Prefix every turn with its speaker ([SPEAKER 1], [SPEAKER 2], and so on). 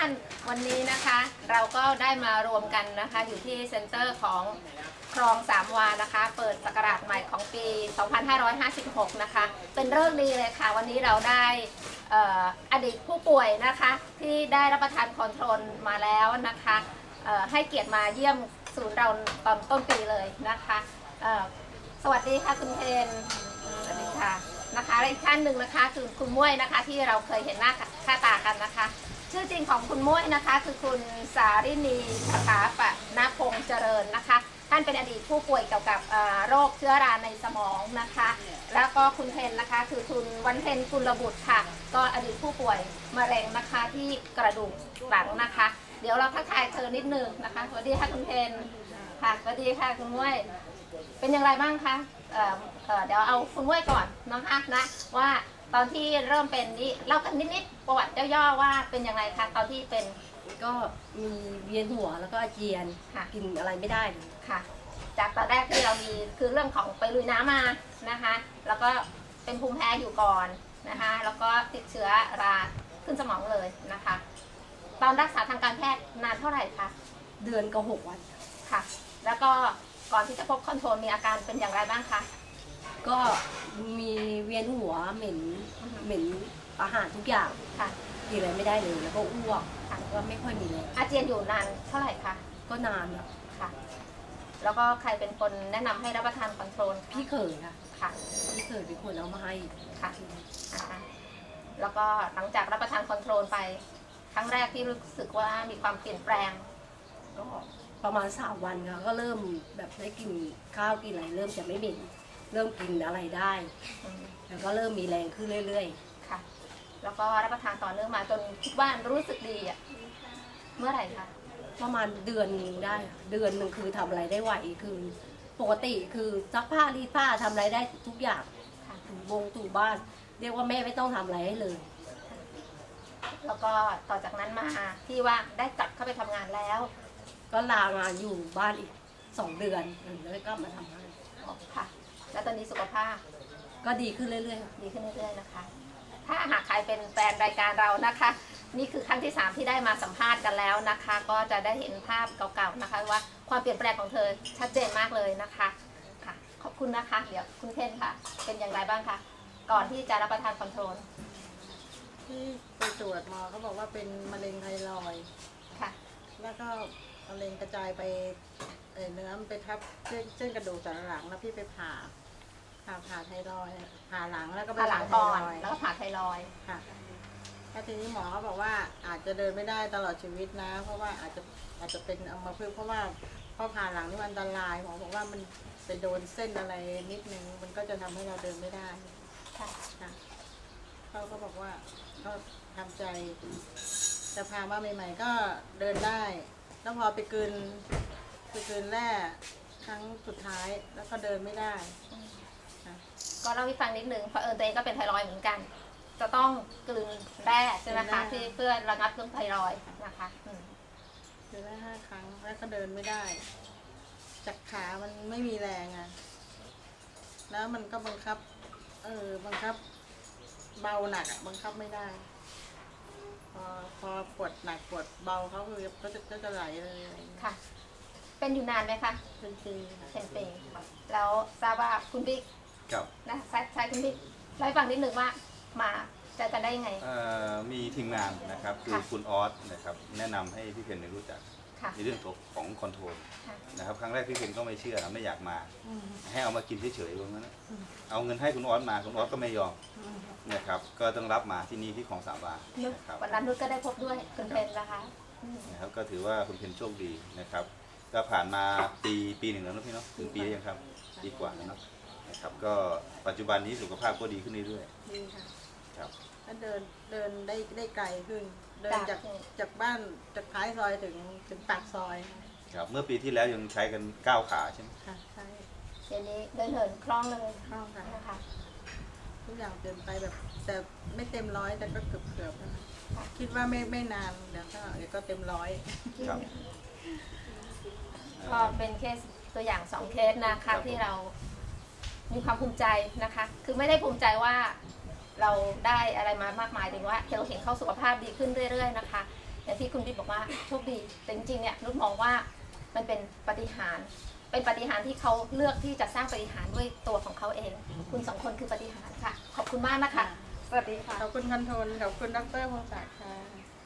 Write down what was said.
[SPEAKER 1] วันนี้นะคะเราก็ได้มารวมกันนะคะอยู่ที่เซ็นเตอร์ของคลองสามวานะคะเปิดศักราชใหม่ของปี 2556 นะคะเป็นเรื่องดีเลยค่ะวันนี้เราได้อดีตผู้ป่วยนะคะที่ได้รับประทานคอนโทรลมาแล้วนะคะให้เกียรติมาเยี่ยมศูนย์เราตอนต้นปีเลยนะคะสวัสดีค่ะคุณเพนสวัสดีค่ะนะคะและอีกท่านหนึ่งนะคะคือคุณม้วยนะคะที่เราเคยเห็นหน้าค่าตากันนะคะชื่อจริงของคุณม้วยนะคะคือคุณสารินีสถาปนพงษ์เจริญนะคะท่านเป็นอดีตผู้ป่วยเกี่ยวกับโรคเชื้อราในสมองนะคะแล้วก็คุณเพนนะคะคือคุณวันเพ็ญกุลบุตรค่ะก็อดีตผู้ป่วยมะเร็งนะคะที่กระดูกหลังนะคะเดี๋ยวเราทักทายเธอนิดนึงนะคะสวัสดีค่ะคุณเพนค่ะสวัสดีค่ะคุณม้วยเป็นอย่างไรบ้างคะเดี๋ยวเอาคุณม้วยก่อนนะคะนะว่าตอนที่เริ่มเป็นนี่เล่ากันนิดๆประวัติย่อๆว่าเป็นอย่างไรคะตอนที่เป็น
[SPEAKER 2] ก็มีเวียนหัวแล้วก็อาเจียนกินอะไรไม่ได้เลย
[SPEAKER 1] ค่ะจากตอนแรกที่เรามีคือเรื่องของไปลุยน้ำมานะคะแล้วก็เป็นภูมิแพ้อยู่ก่อนนะคะแล้วก็ติดเชื้อราขึ้นสมองเลยนะคะตอนรักษาทางการแพทย์นานเท่าไหร่คะ
[SPEAKER 2] เดือนกับ6 วัน
[SPEAKER 1] ค่ะแล้วก็ก่อนที่จะพบคอนโทรลมีอาการเป็นอย่างไรบ้างคะ
[SPEAKER 2] ก็มีเวียนหัวเหม็นอาหารทุกอย่าง
[SPEAKER 1] ค่ะ
[SPEAKER 2] กินอะไรไม่ได้เลยแล้วก็อ้วกก็ไม่ค่อยมีเลย
[SPEAKER 1] อาเจียนอยู่นานเท่าไหร่คะ
[SPEAKER 2] ก็นาน
[SPEAKER 1] ค่ะแล้วก็ใครเป็นคนแนะนำให้รับประทานคอนโทรล
[SPEAKER 2] พี่เขย
[SPEAKER 1] ค่ะ
[SPEAKER 2] พี่เขยเป็นคนเอามาให้
[SPEAKER 1] ค่ะแล้วก็หลังจากรับประทานคอนโทรลไปครั้งแรกที่รู้สึกว่ามีความเปลี่ยนแปลง
[SPEAKER 2] ก็ประมาณ3 วันค่ะก็เริ่มแบบได้กินข้าวกินอะไรเริ่มจะไม่เหม็นเริ่มกินอะไรได้แล้วก็เริ่มมีแรงขึ้นเรื่อย
[SPEAKER 1] ๆค่ะแล้วก็รับประทานต่อเนื่องมาจนคิดว่ารู้สึกดีอ่ะเมื่อไหร่คะ
[SPEAKER 2] ประมาณเดือนนึงได้เดือนนึงคือทำอะไรได้ไหวคือปกติคือซักผ้ารีดผ้าทำอะไรได้ทุกอย่างถูบ้านเรียกว่าแม่ไม่ต้องทำอะไรให้เลย
[SPEAKER 1] แล้วก็ต่อจากนั้นมาที่ว่าได้กลับเข้าไปทำงานแล้ว
[SPEAKER 2] ก็ลางานอยู่บ้านอีก2 เดือนแล้วก็มาทำงาน
[SPEAKER 1] ค่ะแล้วตอนนี้สุขภาพ
[SPEAKER 2] ก็ดีขึ้นเรื่อย
[SPEAKER 1] ๆดีขึ้นเรื่อยๆนะคะถ้าหากใครเป็นแฟนรายการเรานะคะนี่คือครั้งที่3ที่ได้มาสัมภาษณ์กันแล้วนะคะก็จะได้เห็นภาพเก่าๆนะคะว่าความเปลี่ยนแปลงของเธอชัดเจนมากเลยนะคะค่ะขอบคุณนะคะเดี๋ยวคุณเพนค่ะเป็นอย่างไรบ้างคะก่อนที่จะรับประทานคอนโทรล
[SPEAKER 3] ที่ไปตรวจหมอเขาบอกว่าเป็นมะเร็งไทรอยด์
[SPEAKER 1] ค่ะ
[SPEAKER 3] แล้วก็มะเร็งกระจายไปเนื้อมันไปทับเส้นกระดูกสันหลังแล้วพี่ไปผ่าไทรอยด์ผ่าหลังแล้วก็
[SPEAKER 1] ผ่าหลังก่อนแล้วก็ผ่าไทรอยด์
[SPEAKER 3] ค่ะแล้วทีนี้หมอเขาบอกว่าอาจจะเดินไม่ได้ตลอดชีวิตนะเพราะว่าอาจจะเป็นอัมพฤกษ์เพราะว่าพอผ่าหลังนี่มันอันตรายหมอบอกว่ามันไปโดนเส้นอะไรนิดนึงมันก็จะทำให้เราเดินไม่ได้
[SPEAKER 1] ค่ะ
[SPEAKER 3] เขาก็บอกว่าก็ทำใจจะพามาใหม่ๆก็เดินได้แล้วพอไปกลืนแร่ครั้งสุดท้ายแล้วก็เดินไม่ได้
[SPEAKER 1] ก็เล่าให้ฟังนิดนึงเพราะตัวเองก็เป็นไทรอยด์เหมือนกันจะต้องกลืนแร่ใช่ไหมคะที่เพื่อระงับเรื่องไทรอยด์นะคะ
[SPEAKER 3] เดินได้5 ครั้งแล้วก็เดินไม่ได้จากขามันไม่มีแรงอ่ะแล้วมันก็บังคับเบาหนักอ่ะบังคับไม่ได้พอปวดหนักปวดเบาเขาคือก็จะไหลเลย
[SPEAKER 1] ค่ะเป็นอยู่นานไหมคะ
[SPEAKER 3] เป็นปี
[SPEAKER 1] แล้วทราบว่าคุณบิ๊กนะใช่คุณบิ๊กเล่าให้ฟังนิดหนึ่งว่ามาจะได้ยังไง
[SPEAKER 4] มีทีมงานนะครับคือคุณออสนะครับแนะนำให้พี่เพนได้รู้จักในเรื่องของคอนโทรลนะครับครั้งแรกพี่เพนก็ไม่เชื่อไม่อยากมาให้เอามากินเฉยๆว่างั้นเอาเงินให้คุณออสมาคุณออสก็ไม่ยอมนะครับก็ต้องรับมาที่นี่ที่ของสามวา
[SPEAKER 1] วันนั้นนุชก็ได้พบด้วยคุณเพนนะคะ
[SPEAKER 4] นะครับก็ถือว่าคุณเพนโชคดีนะครับก็ผ่านมาปีหนึ่งแล้วนะพี่เนาะถึงปียังครับดีกว่าแล้วนะครับก็ปัจจุบันนี้สุขภาพก็ดีขึ้นเรื่อย
[SPEAKER 3] ๆดีค่ะครับก็เดินได้ไกลขึ้นเดินจากบ้านจากท้ายซอยถึงปากซอย
[SPEAKER 4] ครับเมื่อปีที่แล้วยังใช้กัน9 ขาใช่ไหม
[SPEAKER 3] ค่ะใช่
[SPEAKER 1] เดี๋ยวนี้เดินเหินคล่องเลย
[SPEAKER 3] คล่องค่ะนะคะทุกอย่างเดินไปแบบแต่ไม่เต็ม100แต่ก็เกือบนะคิดว่าไม่นานเดี๋ยวก็เต็ม100
[SPEAKER 4] ครับ
[SPEAKER 1] ก็เป็นเคสตัวอย่าง2 เคสนะคะที่เรามีความภูมิใจนะคะคือไม่ได้ภูมิใจว่าเราได้อะไรมามากมายแต่ว่าเราเห็นเขาสุขภาพดีขึ้นเรื่อยๆนะคะอย่างที่คุณบิ๊กบอกว่าโชคดีแต่จริงๆเนี่ยนุชมองว่ามันเป็นปาฏิหาริย์เป็นปาฏิหาริย์ที่เขาเลือกที่จะสร้างปาฏิหาริย์ด้วยตัวของเขาเอง คุณ2 คนคือปาฏิหาริย์ค่ะขอบคุณมากนะคะสวัสดีค่ะ
[SPEAKER 3] ขอบคุณคอนโทรลขอบคุณดรพงศักดิ์ค่ะ